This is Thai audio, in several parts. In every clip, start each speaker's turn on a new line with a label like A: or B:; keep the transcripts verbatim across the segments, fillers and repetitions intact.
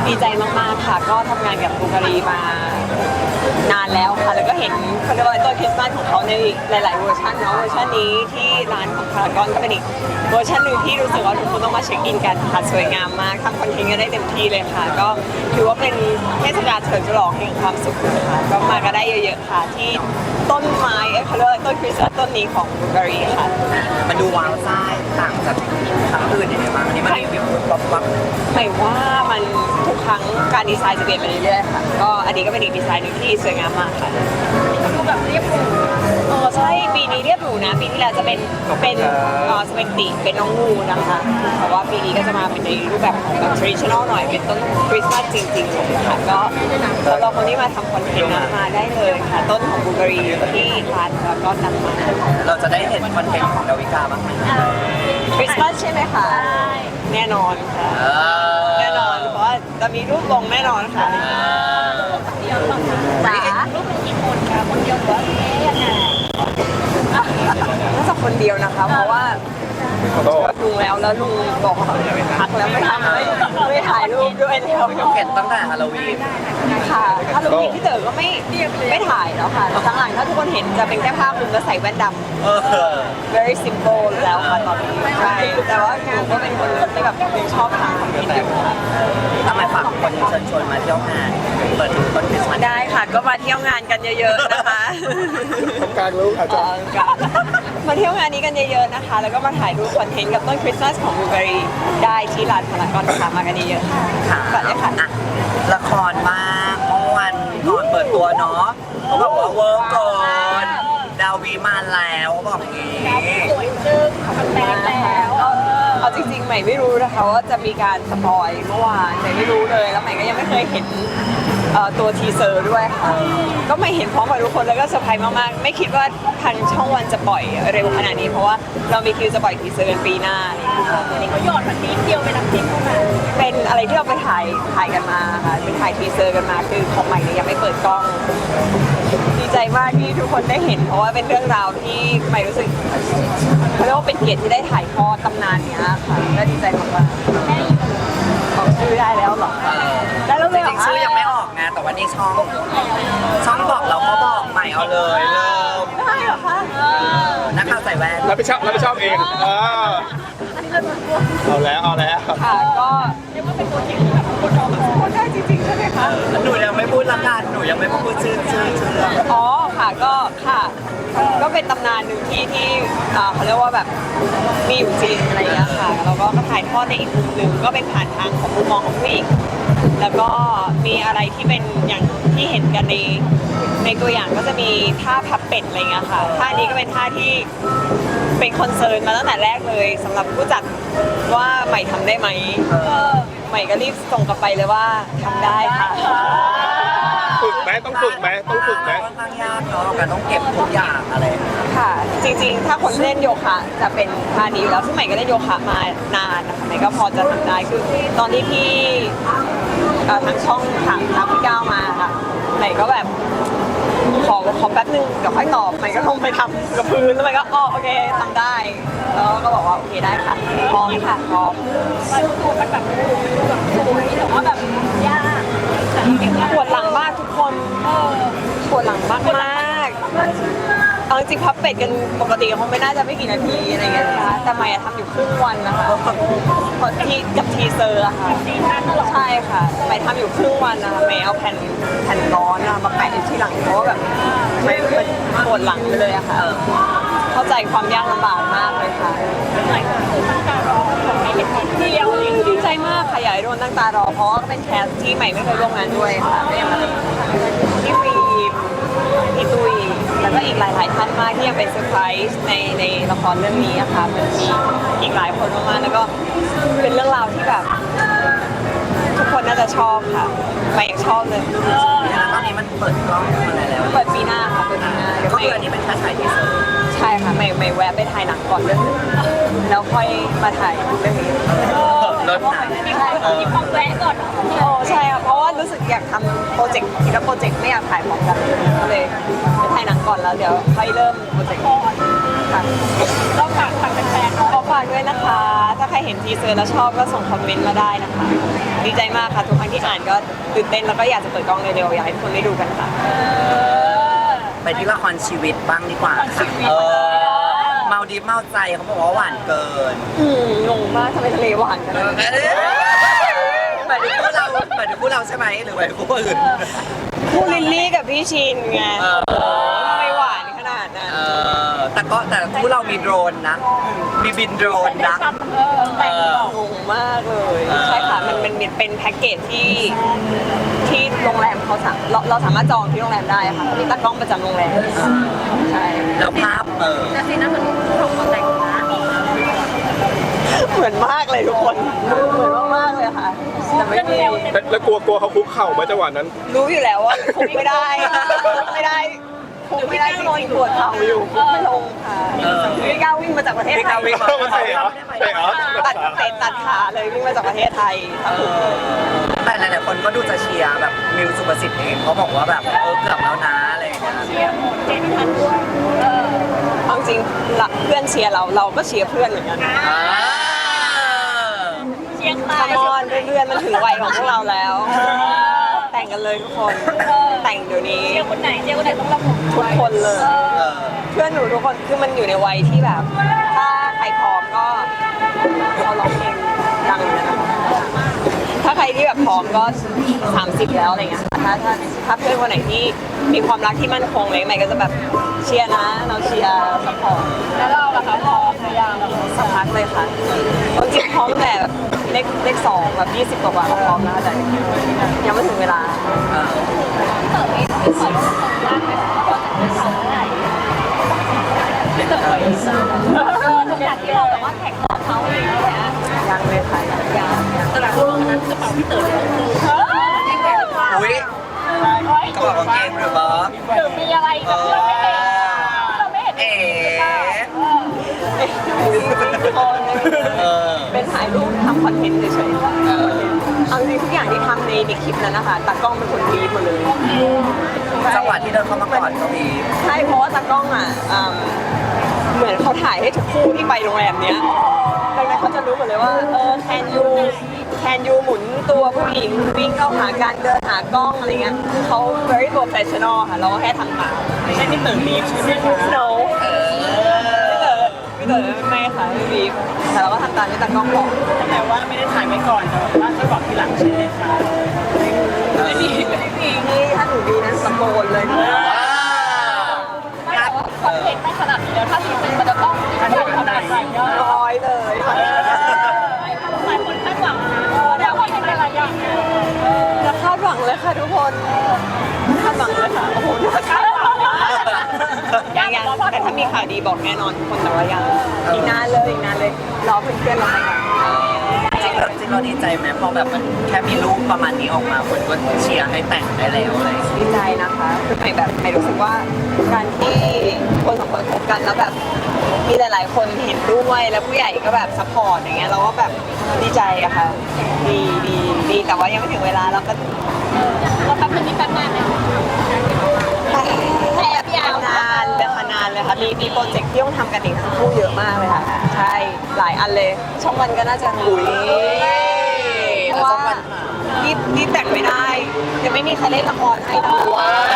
A: ดีใจมากๆค่ะก็ทำงานกับบูการีมานานแล้วค่ะแล้วก็เห็นเขาเรียกว่าต้นคริสต์มาสของเขาในหลายๆเวอร์ชันเนาะเวอร์ชันนี้ที่ร้านของพารากอนก็เป็นอีกเวอร์ชันหนึ่งที่รู้สึกว่าทุกคนต้องมาเช็คอินกันค่ะสวยงามมากทำคอนเทนต์กันได้เต็มที่เลยค่ะก็ถือว่าเป็นเทศกาลเฉลิมฉลองแห่งความสุขค่ะก็มากันได้เยอะๆค่ะที่ต้นไม้เขาเรียกว่าต้นคริสต์มาสต้นนี้ของบูการีค่ะ
B: มันดูว้าวซ่าต่างจากครั้งอื่นยังไงบ้างอันนี้มันรีวิวป๊อปป๊อป
A: หมายว่ามันทุกครั้งการดีไซน์จะเปลี่ยนไปเรื่อยๆค่ะก็อันนี้ก็เป็นอีกดีไซน์หนึ่งที่สวยงามมากค่ะดูแบบเรียบหรูเออใช่ปีนี้เรียบหรูนะปีที่แล้วจะเป็นเป็นเออสเปนติเป็นน้องงูนะคะแต่ว่าปีนี้ก็จะมาเป็นในรูปแบบของแบบ traditional หน่อยเป็นต้นคริสต์มาสจริงๆค่ะก็สำหรับคนที่มาทำคอนเทนต์นะมาได้เลยค่ะต้นของบูการีที่ร้านแล้วก็นำมา
B: เราจะได้เห็นคอนเทนต์ของดาวิกาบ้างไหม
A: คริสต์มาสใช่ไหมคะแน่นอนค่ะ
B: เออ
A: แน่นอนเพราะว่าจะมีรูปลงแน่นอนค่ะจ๋ารูปลงกี่คนคะคนเดียวหรือว่ายังไงน่าจะคนเดียวนะคะเพราะว่าลุงแล้วแล้วลุงบอกพักแล้วไม่ทำไม่ไม่ถ่ายรูปด้วยแล้ว
B: เห็นตั้งแต่ฮาโลวีน
A: ค่ะถ้าลุงพี่เต๋อก็ไม่ไม่ถ่ายแล้วค่ะหลังๆถ้าทุกคนเห็นจะเป็นแค่ภาพลุงก็ใส่แว่นดำ
B: เออ
A: very simple แล้วค่ะตอนนี้ใช่แต่ว่าหนูก็เป็นคนที่แบบยังชอบทำคอนเทนต์อยู่ค่ะ
B: ทำไมฝากคนเชิญชวนมาเที่ยวงานเปิดดูต้นคริสต์มาส
A: ได้ค่ะก็มาเที่ยวงานกันเยอะๆนะคะ
C: กลางลูกอาจจะ
A: เออค่ะมาเที่ยวงานนี้กันเยอะๆนะคะ แล้วก็มาถ่ายรูปคอนเทนต์กับต้นคริสต์มาสของบูการีได้ที่ร้านพารากอนค่ะมากันเยอะๆค่ะ
B: ค่ะ
A: ก่อนเลยค่ะ
B: อ่ะละครบ้างเมื่อวันก่อนเปิดตัวเนาะเขาบอกว่าเวิร์กก่อนดาวีมาแล้วบอกอย่างงี้
A: สวยจึ้งทำแป้งแล้วเอาจริงๆใหม่ไม่รู้นะคะว่าจะมีการสปอยเมื่อวานใหม่ไม่รู้เลยแล้วใหม่ก็ยังไม่เคยเห็นเอ่อตัวทีเซอร์ด้วยค่ะก็ไม่เห็นพร้อมกับทุกคนแล้วก็เซอร์ไพรส์มากๆไม่คิดว่าทางช่องวันจะปล่อยเร็วขนาดนี้เพราะว่าเรามีคิวจะปล่อยทีเซอร์กันปีหน้าอันนี้เขาหยอดแบบนี้เดียวไปทำคลิปเข้ามาเป็นอะไรที่เราไปถ่ายถ่ายกันมาค่ะไปถ่ายทีเซอร์กันมาคือของใหม่เนี่ยยังไม่เปิดกล้องดีใจมากที่ทุกคนได้เห็นเพราะว่าเป็นเรื่องราวที่ใหม่รู้สึกเขาเรียกว่าเป็นเกียรติที่ได้ถ่ายทอดตำนานเนี้ยค่ะก็ดีใจมากๆบอกชื่อได้แล้วเหรอ
B: เออ
A: ได้แล้ว
B: จ
A: เลยเหร
B: ริงๆชื่อยังไม่ออกไงแต่วันนี้ช่องช่องบอกเราก็บอกใหม่เอาเลยเริ่ม
A: ได้เหรอคะ
B: นักข่าวใส่แว่น
C: รับผิดชอบรับผิดชอบเองเออเอาแล้วเอาแล้ว
A: ค่ะก็เรียกว่าเป็นตัวจริงแบบคนรอคนได้จริงๆใช่ไหมคะ
B: หนูยังไม่พูดละกันหนูยังไม่พูดชื่อชื่อชื่อเรื่อง
A: อ๋อค่ะก็ค่ะก็เป็นตำนานหนึ่งที่ที่อ่าเขาเรียกว่าแบบมีอยู่จริงอะไรอย่างเงี้ยค่ะแล้วก็ถ่ายทอดในอีกมุมหนึ่งก็เป็นผ่านทางของมุมมองของผู้หญิงแล้วก็มีอะไรที่เป็นอย่างที่เห็นกันในในตัวอย่างก็จะมีท่าพับเป็ดอะไรเงี้ยค่ะท่านี้ก็เป็นท่าที่เป็นคอนเซิร์นมาตั้งแต่แรกเลยสำหรับผู้จัดว่าใหม่ทำได้ไหมใหม่ก็รีบส่งกลับไปเลยว่าทำได้ค่ะ
C: ฝึกไหมต้องฝึกไหมต้องฝึกไหม
B: ค่อนข้างยากเนาะการต้องเก็บทุกอย่างอะไร
A: ค่ะจริงๆ ถ้าคนเล่นโยคะจะเป็นท่านี้อยู่แล้วซึ่งใหม่ก็เล่นโยคะมานานนะคะใหม่ก็พอจะทำได้คือตอนที่พี่เอ่อทางช่องถามทางพี่ก้าวมาค่ะใหม่ก็แบบขอขอแป๊บนึงเดี๋ยวค่อยตอบใหม่ก็ลงไปทำกับพื้นแล้วใหม่ก็อ๋อโอเคทำได้แล้วก็บอกว่าโอเคได้ค่ะพร้อมค่ะพร้อมตัวมันแบบแบบสวยแต่ว่าแบบยากปวดหลังมากทุกคนปวดหลังมากมากๆ เอาจริงๆพับเป็ดกันปกติคงไม่น่าจะไม่กี่นาทีอะไรเงี้ยนะคะแต่ใหม่อะทำอยู่ครึ่งวันนะคะเพราะที่กับทีเซอร์อะค่ะใช่ค่ะใหม่ทำอยู่ครึ่งวันนะคะใหม่เอาแผ่นแผ่นร้อนอะมาแปะที่หลังเพราะว่าแบบมันมันปวดหลังไปเลยอะค่ะเข้าใจความยากลำบากมากเลยค่ะดีใจมากค่ะอยากให้โดนตั้งตารอเพราะว่าเป็นแคสที่ใหม่ไม่เคยร่วมงานด้วยค่ะที่ฟิล์มพี่ตุ้ยแล้วก็อีกหลาย ๆ ท่านมากที่ยังเป็นเซอร์ไพรส์ในในละครเรื่องนี้นะคะมันมีอีกหลายคนมากๆแล้วก็เป็นเรื่องราวที่แบบทุกคนน่าจะชอบค่ะใหม่ยังชอบเลย
B: แล้วตอนนี้มันเปิดกล้องอะไรแล้ว
A: เปิดปีหน้าค่ะเปิดปีหน้าเดี๋ยว
B: ก็
A: ใหม่
B: คืออันนี้เป็นแค่ถ่ายทีเซอร์
A: ใช่ค่ะใหม่ใหม่แวะไปถ่ายหนังก่อนเรื่องนึงแล้วค่อยมาถ่ายเรื่องนี้
B: รถหนัง
A: ใช่ค่ะมีความแวะก่อนโอ้ใช่ค่ะเพราะว่ารู้สึกอยากทำโปรเจกต์ทีละโปรเจกต์ไม่อยากถ่ายพร้อมกันก็เลยไปถ่ายหนังก่อนแล้วเดี๋ยวค่อยเริ่มโปรเจกต์ค่ะก็ฝากฝากแฟนๆขอฝฝากด้วยนะคะ ถ้าใครเห็นทีเซอร์แล้วชอบก็ส่งคอมเมนต์มาได้นะคะ ดีใจมากค่ะทุกครั้งที่อ่านก็ตื่นเต้นแล้วก็อยากจะเปิดกล้องเร็วๆอยากให้ทุกคนได้ดูกันค่ะ
B: ไปที่ละครชีวิตบ้างดีกว่าค่ะเออเมาดิฟเมาใจเขาบอกว่าหวานเกิน
A: อืมงงมากทำไมทะเลหวานขนาดนี้
B: หมายถึงคู่เราหมายถึงคู่เราใช่ไหมหรือหมายถึงคู่อื่น
A: คู่ลิลลี่กับพี่ชินไง
B: เออ
A: โอ้ทำไมหวานขนาดนั้น
B: เออแต่ก็แต่คู่เรามีโดรนนะ มีบินโดรนนะเออ
A: งงมากเลย
B: เออ
A: ใช่ค่ะมันเป็นเป็นแพ็กเกจที่ที่โรงแรมเขาสามเราเราสามารถจองที่โรงแรมได้ค่ะมีตากล้องประจำโรงแรมใช่
B: แล้วภาพเออ
D: แต่ซีน่ามันของมาแต่งนะ
A: เหมือนมากเลยทุกคนเหมือนมากๆเลยค่ะแต่ไม่มี
C: แล้วแล้วกลัวกลัวเขาคุกเข่าไหมจังหวะนั้น
A: รู้อยู่แล้วว่าคุกไม่ได้คุกไม่ได้คุกไม่ได้จริงๆปวดเข่าอยู่คุกไม่ลงค่ะไม่กล้าวิ่งมาจากประเทศ
B: ไม่
A: ไท
B: กล้าย วิ่ง
C: เข้ามาเตะเหรอเตะเหรอ
A: ตัดเตะตัดขาเลยวิ่งมาจากประเทศไทย
B: เออแต่หลายๆคนก็ดูจะเชียร์แบบมิวสุประสิทธิ์เองเขาบอกว่าแบบเออเกือบแล้วนะอะไรอย่างเงี้ย
D: เชียร์หมดเจไม่ทันด้วยเออ
A: เอาจริงหลักเพื่อนเชียร์เราเราก็เชียร์เพื่อนเหมือนกัน
B: อ่า
D: เชียร์ใคร
A: คามอนเพื่อนๆมันถึงวัยของพวกเราแล้ว แต่งกันเลยทุกคน แต่งเดี๋ยวนี้
D: เชียร์คนไหนเชียร์คนไหนต้องระบุ
A: ทุกคนเลย
B: เออ
A: เพื่อนหนูทุกคนคือมันอยู่ในวัยที่แบบ ถ้าใครพร้อมก็เขาร้องเพลงดังเลยนะถ้าใครที่แบบพร้อมก็สามสิบแล้วอะไรเงี้ยค่ะถ้าถ้าถ้าเพื่อนคนไหนที่มีความรักที่มั่นคงเลยใหม่ก็จะแบบเชียร์นะ เราเชียร์สปอร์ต
D: แล้วเราล่ะคะพอพยายามแบบ
A: สักพักเลยค่ะจริงๆพร้อมแต่แบบเลขเลขสองแบบยี่สิบกว่าๆก็พร้อมแล้วแต่ยังไม่ถึงเวลา
B: เออ
D: เต๋อเองไม่ขอรู้สึกยากไหมว่าจะทำอะไรเต๋อเองเออขนาดที่เราแบบว่าแข่งกับเขาอะไรอย่างเงี้ย
A: ยังเลยค่ะยังยังยัง
D: ตลาดโลกนั้นกระเป๋าพี่เต๋อเนี่ยเออยิ่งใหญ่กว่า
B: อุ้ยกระเป๋ากางเกงหรือเปล่า
D: หรือมีอะไรแบบที่เราไม่เห็นเราไม่เห็น
B: เอ๋
A: เออเป็นถ่ายรูปทำคอนเทนต์เฉยๆเอาจริงๆทุกอย่างที่ทำในในคลิปนั้นนะคะตากล้องเป็นคนรีบหมดเลย
B: จังหวะที่เดินเข้ามาก่อนก็มี
A: ใช่เพราะว่าตากล้องอ่ะอืมเหมือนเขาถ่ายให้ทุกคู่ที่ไปโรงแรมเนี้ยดังนั้นเขาจะรู้หมดเลยว่าเออแคนยูแคนยูหมุนตัวผู้หญิงวิ่งเข้าหาการเดินหากล้องอะไรเงี้ยคือเขา very professional ค่ะเราก็แค่ทำตามไม่ใช่ที่ตื่นรีบใช่ไหมคะ no
B: เออ
A: ไม่เต๋อไม่ค่ะไม่บีบแต่เราก็ทำตามที่ตากล้องบอก
E: แต่ว่าไม่ได้ถ่ายไว้ก่อนแต่ว่าจะบอกทีหลังใช่ไหมคะ
A: ไม่มีไม่มีนี่ถ้าหนูดีนั้นตะโกนเลยนะ
D: ไม่แต่ว่าคอนเทนต์ไม่ขนาดนี้แล้วถ้าจริงๆมันจะต้องมีคนทำอะไรเยอะ
A: ร้อยเลย
D: หลายคนคาดหวังนะเดี๋ยวคอนเทนต์อะไรอย่างเงี้ย
A: จะคาดหวังเลยค่ะทุกคนคาดหวังเลยค่ะโอ้โหคาดหวังยังยังแต่ถ้ามีข่าวดีบอกแน่นอนทุกคนแต่ว่ายังอีกนานเลยอีกนานเลยรอเพื่อนๆเราไปก่อน
B: จริงๆแล้วจริงๆเราดีใจไหมพอแบบมันแค่มีรูปประมาณนี้ออกมาคนก็เชียร์ให้แต่งได้แล้วอะไรอย่างเงี้ย
A: ดีใจนะคะคือใหม่แบบใหม่รู้สึกว่าการที่คนสองคนคบกันแล้วแบบมีหลาย ๆ คนเห็นด้วยแล้วผู้ใหญ่ก็แบบซัพพอร์ตอย่างเงี้ยเราก็แบบดีใจอะค่ะดีดีดีแต่ว่ายังไม่ถึงเวลาเราก็
D: เราแป๊บนึงนี่แป๊บนานไหม
A: แอบยาวนานเลยค่ะนานเลยค่ะมีมีโปรเจกต์ที่ต้องทำกันอีกทั้งคู่เยอะมากเลยค่ะใช่หลายอันเลยช่องวันก็น่าจะหุยเพราะว่ารีบรีบแต่งไม่ได้ยังไม่มีใครเล่นละครให้ทั้งคู่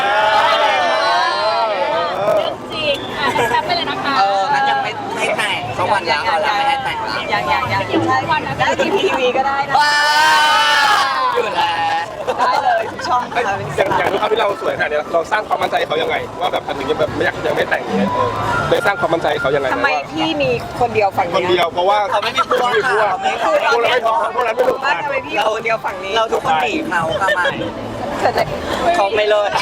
D: เรื่องจริงอ่ะแป๊บไปเลยนะคะ
B: เอองั้นยังไม่ให้แต่งสักวันแล้วเอาละไม่ให้แต่งละ
A: ยังยังยังใช่ได้ทีพีทีวีก็ได้นะ
B: ว้าวอยู่แล้ว
A: ได้เลยทุกช่อง
C: เอ้ย
A: ค่ะเป็น
C: อย่างอย่างทุกครั้งที่เราสวยขนาดเนี้ยเราสร้างความมั่นใจให้เขายังไง ว่าแบบถึงยังแบบไม่อยากยังไม่แต่งเนี่ยเออเลยสร้างความมั่นใจให้เขายังไง
A: ทำไมพี่มีคนเดียวฝั่ง
C: คน
A: เนี้
C: เดียวเพราะว่า
B: เขาไม่มีพวก
C: ไม่มีพวก
B: ค่ะไม่มีพ
C: พ
B: ว
C: ว
B: ก
C: กเราไม่ท้องพวกนั้นไม่ถูก
A: ว่า
C: กัน
A: ทำไมพี่อยู่คนเดียวฝั่งนี้
B: เราทุกคนหนีเขาค่ะไม่
A: เกิดอะไร
B: เขาไม่เลิก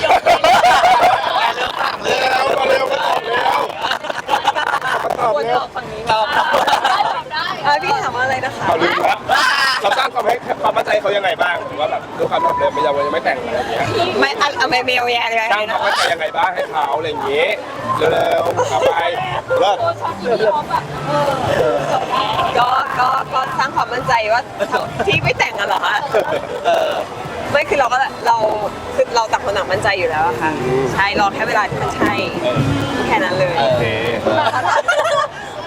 C: เร็วก็เร็วก็ตอบเร็วตอบ
A: ควร
C: เร็
A: ต
C: ว
A: อบฝั่งนี้
B: เรา
D: ได้ตอบได้
A: อ่ะพี่ถามว่าอะไรนะคะ
C: เอาลืมแล้วเราสร้างความให้ความมั่นใจเขายังไงบ้างหรือว่าแบบด้วยความแบบเดิมไม่ยังยังไม่แต่งอะไรอย่างเงี้ย
A: ไม่อะอะไม่เมลแย่เลย
C: สร้างความมั่นใจยังไงบ้างให้เขาอะไรอย่างเงี้ยเร็วๆเอาไปเลิศ
D: ช็อตที่พี่เขาแบบเออจบแล้ว
A: ก็ก็ก็สร้างความมั่นใจว่าที่ไม่แต่งกันเหรอคะ
B: เออ
A: ไม่คือเราก็เราคือเราต่างคนต่างมั่นใจอยู่แล้วอะค่ะใช่รอแค่เวลาที่มันใช่แค่นั้นเลย
C: โอเค
B: เ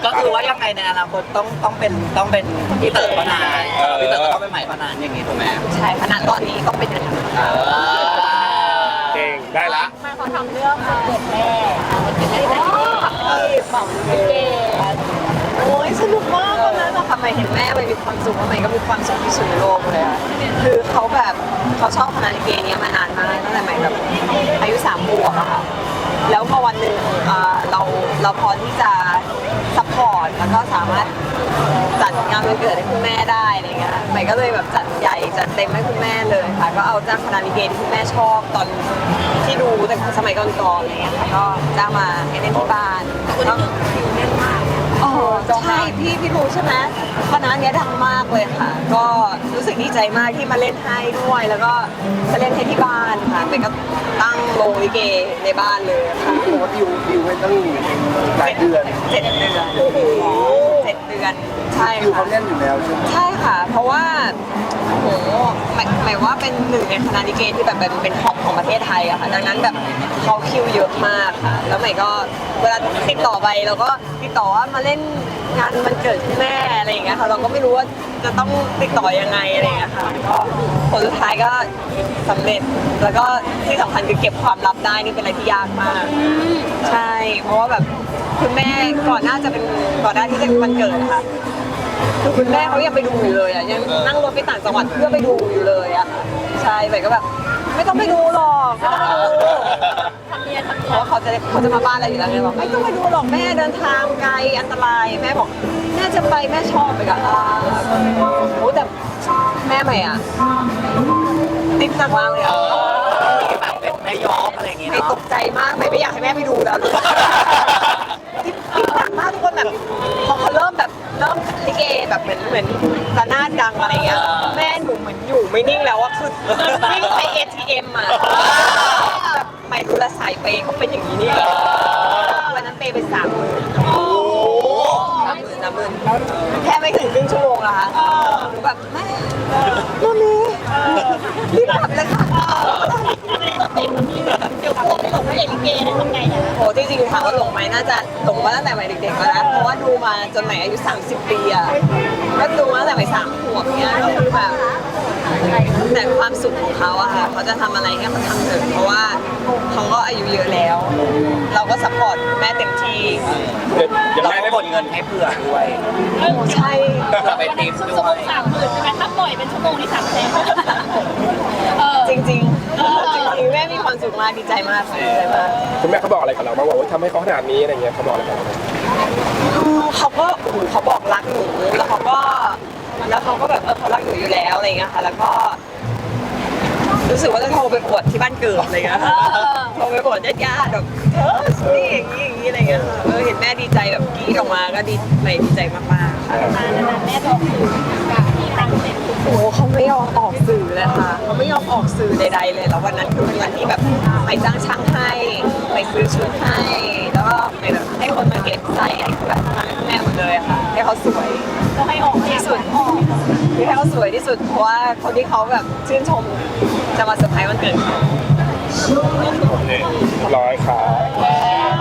B: ก็คือว่ายังไงในอนาคตต้องต้องเป็นต้องเป็นพี่เต๋อพนานพี่เต๋อก็ต้องเป็นใหม่พนานอย่างงี้ถูกไหม
A: ใช่ขนาดตอนนี้ต้องเป็นอย่างนั้น
C: เก่งได้ละ
D: มาเขาทำเรื่องมาเกิดแม่มันเป็นอะไรที่แบบเก๋
A: โอ้ยสนุกมากวันนั้นนะคะใหม่เห็นแม่ใหม่มีความสุขว่าใหม่ก็มีความสุขที่สุดในโลกเลยอะคือเขาแบบเขาชอบคณะลิเกเนี้ยมานานมากตั้งแต่ใหม่แบบอายุสามขวบอะค่ะแล้วพอวันหนึ่งเอ่อเราเราพอที่จะซัพพอร์ตแล้วก็สามารถจัดงานวันเกิดให้คุณแม่ได้อะไรเงี้ยใหม่ก็เลยแบบจัดใหญ่จัดเต็มให้คุณแม่เลยค่ะก็เอาจ้างคณะลิเกที่คุณแม่ชอบตอนที่ดูแต่สมัยก่อนๆอะไรเงี้ยค่ะก็จ้างมาให้เล่นที่บ้านแล้ว อ๋อใช่พี่พี่รู้ใช่ไหมคณะเนี้ยดังมากเลยค่ะ ก็รู้สึกดีใจมากที่มาเล่นให้ด้วย แล้วก็มาเล่นให้ที่บ้านค่ะเป็นก็ตั้งโรงลิเกในบ้านเลยค่ะ
C: ผมว่าดิวดิวไว้ตั้งหลายเดือน
A: เจ็ดเดือนเจ็ดเดือนใช่
C: ดิวเขา
A: ค่ะ
C: แน่นอยู่แล้วใช่ไหม
A: ใช่ค่ะ เพราะว่าโหหมายหมายว่าเป็นหนึ่งในคณะลิเกที่แบบเป็นเป็นท็อปของประเทศไทยอะค่ะ ดังนั้นแบบเขาคิวเยอะมากค่ะ แล้วใหม่ก็เวลาติดต่อไปเราก็ติดต่อว่ามาเล่นงานวันเกิดคุณแม่อะไรอย่างเงี้ยค่ะ เราก็ไม่รู้ว่าจะต้องติดต่อยังไงอะไรอย่างเงี้ยค่ะก็ผลสุดท้ายก็สำเร็จ แล้วก็ที่สำคัญคือเก็บความลับได้นี่เป็นอะไรที่ยากมาก ใช่ เพราะว่าแบบคุณแม่ก่อนหน้าจะเป็นก่อนหน้าที่จะเป็นวันเกิดอะค่ะ คือคุณแม่เขายังไปดูอยู่เลยอ่ะยังนั่งรถไปต่างจังหวัดเพื่อไปดูอยู่เลยอ่ะใช่ใหม่ก็แบบ ไม่ต้องไปดูหรอกไม่ต้องไปดู
D: ทำเนียนทำ
A: เพ
D: เนีย
A: ราะ
D: น
A: ว่าเขาจะเขาจะมาบ้านเราอยู่แล้วไงบอกไม่ต้องไปดูหรอกแม่เดินทางไกลอันตรายแม่บอกแม่จะไปแม่ชอบไปกับอ่าโอ้แต่แม่ใหม่อ่ะติดหนักมากเลยอ่ะ
B: แบบเป็นแม่ยอมอะไรอย่างงี้
A: ไม่
B: เนาะ
A: ตกใจมากไม่ไม่อยากให้แม่ไปดูแล้วติดติดหนักมากทุกคนแบบพอเขาเริ่มแบบเริ่มลิเกแบบเหมือนเหมือนระนาดดังอะไรเงี้ยแม่หนูเหมือนอยู่ไม่นิ่งแล้วอะคือวิ่งไป เอ ที เอ็ม อะแบบไม่รู้ละสายเปย์เขาเป็นอย่างนี้นี่วันนั้นเปย์ไปสามหมื่นสามหมื่นสามหมื่นแค่ไม่ถึงครึ่งชั่วโมงละค่ะหนูแบบแม่มามีรีบกลับเลยค่ะ
D: เดี๋ยวพวกส่งให้ลิเกได้ทำไงนะ
A: โหจริงๆถามว่าหลงไหมน่าจะหลงมาตั้งแต่วัยเด็กๆแล้วนะเพราะว่าดูมาจนไหนอายุ สามสิบ ปีอะก็ดูมาตั้งแต่วัยสามขวบเนี้ยก็คือแบบแต่ความสุขของเขาอะค่ะเขาจะทำอะไรให้เขาทำเถอะเพราะว่าเขาก็อายุเยอะแล้ว เราก็ซัพพอร์ตแม่เต็มที่
C: ยัง
B: เรา
C: ไม่
B: ก็
C: ได้
B: กดเงินให้เผื่อด้วย
A: โอ้ใช่
B: เผื่อไปติม
D: ชั่ว
B: ด้
D: โม
B: ว
D: ง
B: ย
D: สามหมื่นใช่ไหมถ้าปล่อยเป็นชั่วโมงนี่สามแสนเออ
A: จริงๆจริงๆแม่มีความสุขมากดีใจมากค่ะดีใจมาก
C: คุณแม่เขาบอกอะไรกับเราบ้างว่าทำให้เขาขนาดนี้อะไรเงี้ยเขาบอกอะไรกับเราบ้าง
A: เขาก็โอ้โหเขาบอกรักหนูแล้วเขาก็แล้วเขาก็แบบเออเขารักหนูอยู่แล้วอะไรเงี้ยค่ะแล้วก็ รู้สึกว่าจะโทรไปอวดที่บ้านเกิดอะไรเงี้ยค่ะโทรไปอวดญาติๆแบบเธอนี่อย่างนี้อย่างนี้อะไรเงี้ยค่ะเออเห็นแม่ดีใจแบบกรี๊ดออกมาก็ดีไม่ดีใจมากๆค่ะ
D: นานๆแม่บอกคือการที่ตั้งเต็มทุก
A: โอ้โหเขาไม่ยอมออกสื่อเลยค่ะเขาไม่ยอมออกสื่อใดๆเลยแล้ววันนั้นคือเป็นวันที่แบบไปจ้างช่างให้ไปซื้อชุดให้แล้วก็ไปแบบให้คนมาเก็บใส่ให้แบบแม่หมดเลยอะค่ะให้เขาสวย
D: ก็ให้ออกที่สุดออก
A: คือให้เขาสวยที่สุดเพราะว่าคนที่เขาแบบชื่นชมจะมาเซอร์ไพรส์วันเกิดเขา
C: โอเคร้อยครับ